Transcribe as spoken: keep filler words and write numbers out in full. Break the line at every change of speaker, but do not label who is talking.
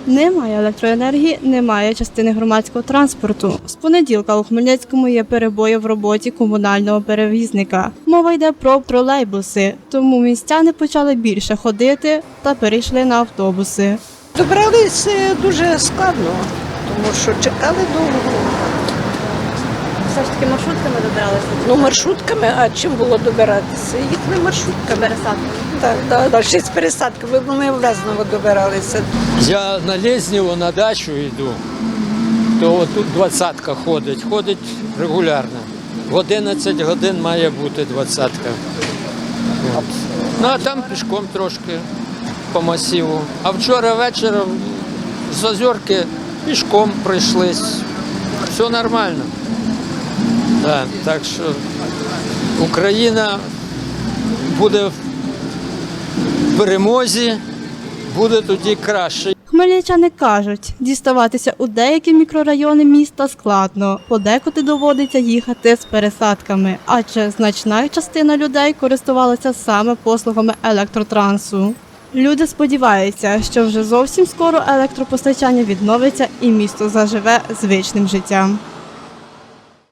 Немає електроенергії, немає частини громадського транспорту. З понеділка у Хмельницькому є перебої в роботі комунального перевізника. Мова йде про тролейбуси, тому містяни почали більше ходити та перейшли на автобуси.
Добралися дуже складно, тому що чекали довго.
Все ж таки маршрутками добиралися?
Ну, маршрутками, а чим було добиратися? Їхали маршрутками.
Пересадками?
Так, так, так, ще з пересадками, бо ми в Лезново добиралися.
Я на Лезнєво на дачу йду, то тут двадцятка ходить, ходить регулярно. В одинадцять годин має бути двадцятка. От. Ну а там пішком трошки по масиву. А вчора вечором з Озерки пішком прийшлись. Все нормально. Да, так що Україна буде в перемозі, буде тоді краще.
Хмельничани кажуть, діставатися у деякі мікрорайони міста складно, подекуди доводиться їхати з пересадками, адже значна частина людей користувалася саме послугами електротрансу. Люди сподіваються, що вже зовсім скоро електропостачання відновиться і місто заживе звичним життям.